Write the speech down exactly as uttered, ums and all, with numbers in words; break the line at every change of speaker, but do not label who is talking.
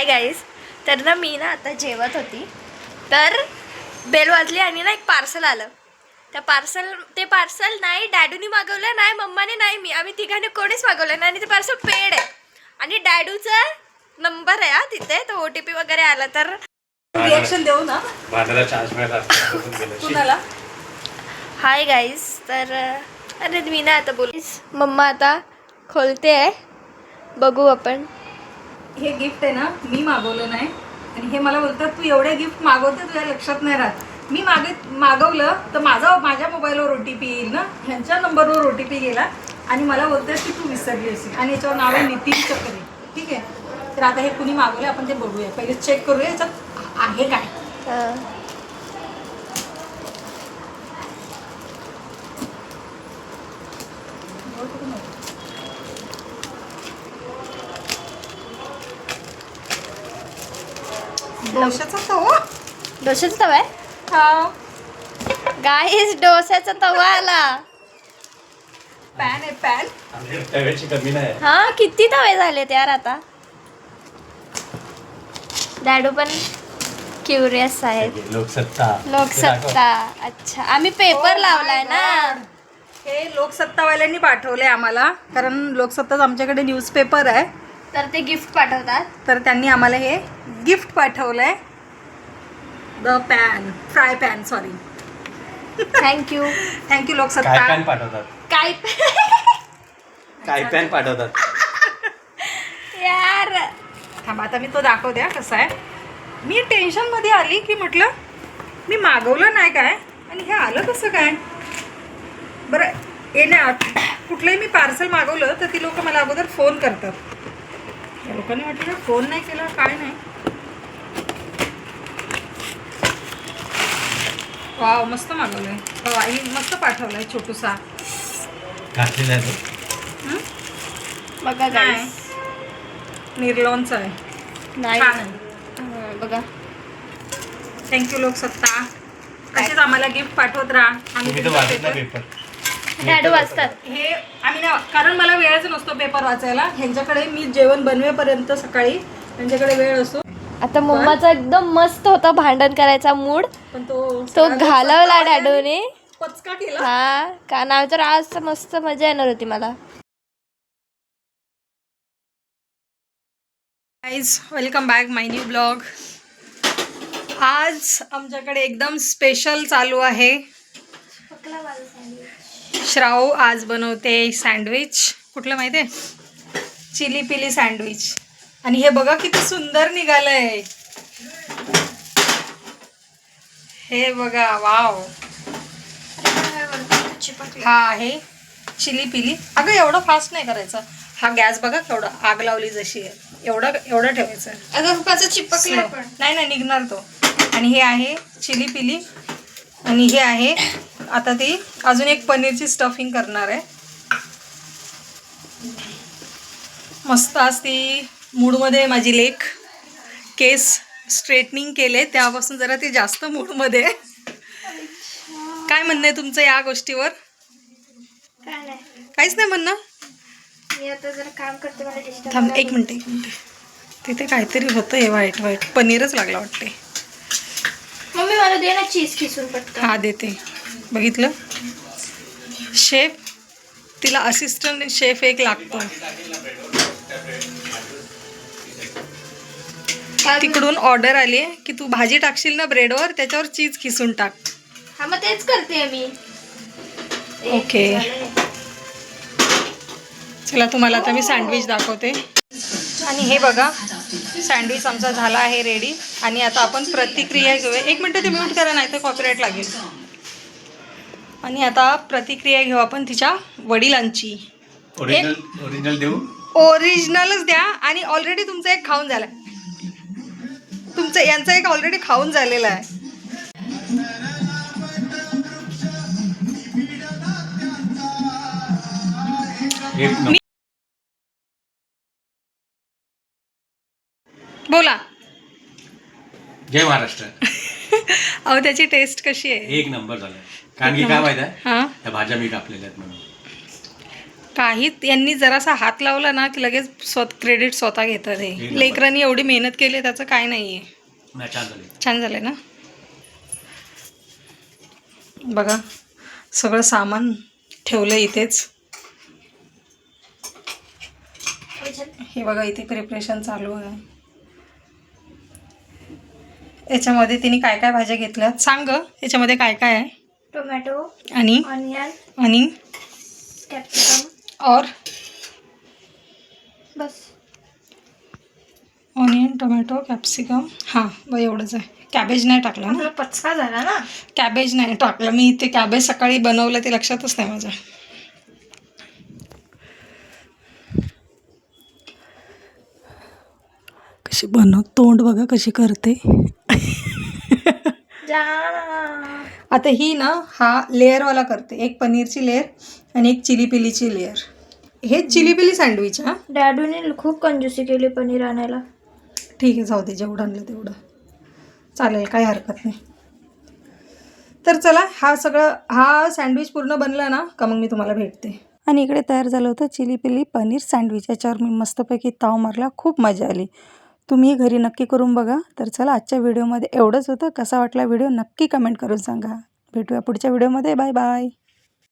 Hi guys, तर ना मी ना आता जेवत होती तर बेल वाजली आणि ना एक पार्सल आलं. त्या पार्सल ते पार्सल नाही डॅडूनी मागवलं, नाही मम्माने, नाही मी, आम्ही तिघांनी कोणीच मागवलं नाही. आणि ते पार्सल पेड आहे आणि डॅडूचा नंबर आहे हा तिथे, तो ओ टी पी वगैरे आला तर
रिॲक्शन देऊ ना.
बांधायला चान्स मिळाला
कुणाला?
हाय गाईज, तर अरे मी ना आता बोलीस मम्मा आता खोलते आहे, बघू आपण.
हे गिफ्ट आहे ना, मी मागवलं नाही आणि हे मला बोलतात तू एवढे गिफ्ट मागवते तुझ्या लक्षात नाही राहत. मी मागे मागवलं तर माझा माझ्या मोबाईलवर ओ टी पी येईल ना, ह्यांच्या नंबरवर ओ टी पी गेला आणि मला बोलतात की तू विसरली असेल आणि याच्यावर नाव आहे नितीन चक्रे. ठीक आहे, तर आता हे कुणी मागवलं आपण ते बघूया, पहिले चेक करूया याच्यात आहे काय.
हां
डोशाचा तवा.
डोशाचा तवा आहे
हा,
गाईज, डोशाचा तवा आला.
पॅन आहे पॅन.
तव्याची कमी नाही.
हा किती तवे झालेत यार आता. डॅडू पण क्युरियस आहेत.
लोकसत्ता
लोकसत्ता, अच्छा आम्ही पेपर
Oh
लावलाय
my
ना.
God. हे लोकसत्तावाल्यांनी पाठवले आम्हाला, कारण लोकसत्ताच आमच्याकडे न्यूजपेपर आहे,
तर ते गिफ्ट पाठवतात.
तर त्यांनी आम्हाला हे गिफ्ट पाठवलंय. The pan, fry pan, sorry.
Thank you.
Thank you
काय
लोकसत्ता.
पॅन पाठवतात,
काय
काय पॅन पाठवतात.
यार
थांबा आता मी तो दाखवते हा कसा आहे. मी टेन्शनमध्ये आली की म्हटलं मी मागवलं नाही काय आणि हे आलं कसं काय. बरं येण्या कुठलंही मी पार्सल मागवलं तर ती लोक मला अगोदर फोन करतात. या लोकांनी म्हटलं फोन नाही केला काय नाही. वाव, मस्त मागवलंय. हो, आई मस्त पाठवलंय छोटूसा.
घातलेला आहे तो.
हं?
बघा
नाही,
guys.
निर्लॉनचा आहे.
नाही
छान आहे.
हं, बघा.
थँक्यू लोकसत्ता. असेच आम्हाला गिफ्ट पाठवत राहा. आम्ही
तुम्ही तर
तुमचा
वाचत नाही
पेपर-
पेपर.
डॅडू वाचतात.
हे आम्ही ना, कारण मला वेळच नसतो पेपर वाचायला. ह्यांच्याकडे मी जेवण बनवेपर्यंत सकाळी त्यांच्याकडे वेळ असतो.
आता मम्माचा एकदम मस्त होता भांडण करायचा मूड,
पण तो
तो
सगळा
घालवला
लोकसत्ता
डॅडूने.
पचका केला.
हा का नाव तर आज मस्त मजा येणार होती मला.
Guys, welcome back my new blog. आज आमच्याकडे एकदम स्पेशल चालू आहे. श्राव आज बनवते सँडविच. कुठलं माहिती आहे? चिली पिली सँडविच. आणि हे बघा किती सुंदर निघालंय. हे बघा, वाव. हा आहे चिली पिली. अगं एवढं फास्ट नाही करायचं. हा गॅस बघा केवढा आग लावली जशी आहे, एवढं एवढं ठेवायचं.
अगं चिपकला पण.
नाही नाही निघणार तो. आणि हे आहे चिली पिली आणि हे आहे आता ती अजून एक पनीरची स्टफिंग करणार आहे. मस्त आज ती मूडमध्ये माझी लेक. केस स्ट्रेटनिंग केले तेव्हापासून जरा ती जास्त मूडमध्ये आहे. काय म्हणणं आहे तुमचं या गोष्टीवर?
काय नाही,
काहीच नाही म्हणणं.
मी आता जरा काम करते, मला disturb
थांब
नका
एक मिनिट एक मिनिट. तिथे काहीतरी होतं हे व्हाईट व्हाईट. पनीरच लागला वाटते.
करू. मम्मी मला दे ना चीज खिसून पटकन.
हा देते. बघितलं, शेफ, तिला असिस्टंट शेफ एक लागतो.
काय
तिकडून ऑर्डर आली आहे की तू भाजी टाकशील ना ब्रेडवर, त्याच्यावर चीज खिसून टाक.
हा मग तेच करते मी.
ओके. चला तुम्हाला आता मी सँडविच दाखवते. आणि हे बघा सँडविच आमचा झाला आहे रेडी. आणि आता आपण प्रतिक्रिया घेऊया. एक मिनटं ते म्यूट करा नाही तर कॉपीराईट लागेल. आणि आता प्रतिक्रिया घेऊ आपण तिच्या वडिलांची.
ओरिजिनल ओरिजिनल देऊ.
ओरिजिनलच द्या. आणि ऑलरेडी तुमचा एक खाऊन झाला आहे. तुमचं यांचा एक ऑलरेडी खाऊन झालेला आहे.
एक नंबर.
बोला.
जय महाराष्ट्र.
अहो त्याची टेस्ट कशी आहे?
एक नंबर झालं. कारण की काय माहिती आहे,
हां
त्या भाज्या मी कापलेल्या आहेत म्हणून.
काहीच यांनी जरासा हात लावला ना की लगेच स्वत क्रेडिट स्वतः घेतात हे लेकरांनी एवढी मेहनत केली त्याचं काय नाही आहे.
नाही, छान झाली.
छान झालं ना. बघा सगळं सामान ठेवलं इथेच. हे बघा इथे प्रिपरेशन चालू आहे. याच्यामध्ये तिने काय काय भाज्या घेतल्या सांग ग. याच्यामध्ये काय काय आहे?
टोमॅटो,
आणि
ऑनियन,
आणि
कॅप्सिकम,
और
बस.
Onion, tomato, capsicum. हां बघ एवढंच आहे. कॅबेज नाही टाकलं ना.
आपला पचका झाला ना.
कॅबेज नाही टाकलं मी. ते कॅबेज सकाळी बनवलं ते लक्षातच नाही माझ्या. कशी बनव तोंड बघा कशी करते.
जा.
आता ही ना हा लेअरवाला करते. एक पनीरची लेअर आणि एक चिली पिलीची लेअर. हे चिली पिली सँडविच. हां
डॅडूने खूप कंजूसी केली पनीर आणायला.
ठीक आहे जाऊ दे. जेवढं आणलं तेवढं चालेल काही हरकत नाही. तर चला हा सगळं हा सँडविच पूर्ण बनला ना का मग मी तुम्हाला भेटते. आणि इकडे तयार झालं होतं चिली पिली पनीर सँडविच. याच्यावर मी मस्तपैकी ताव मारला. खूप मजा आली. तुम्ही घरी नक्की करून बघा. तर चला आजच्या व्हिडिओमध्ये एवढंच होतं. कसा वाटला व्हिडिओ नक्की कमेंट करून सांगा. भेटूया पुढच्या व्हिडिओमध्ये. Bye bye.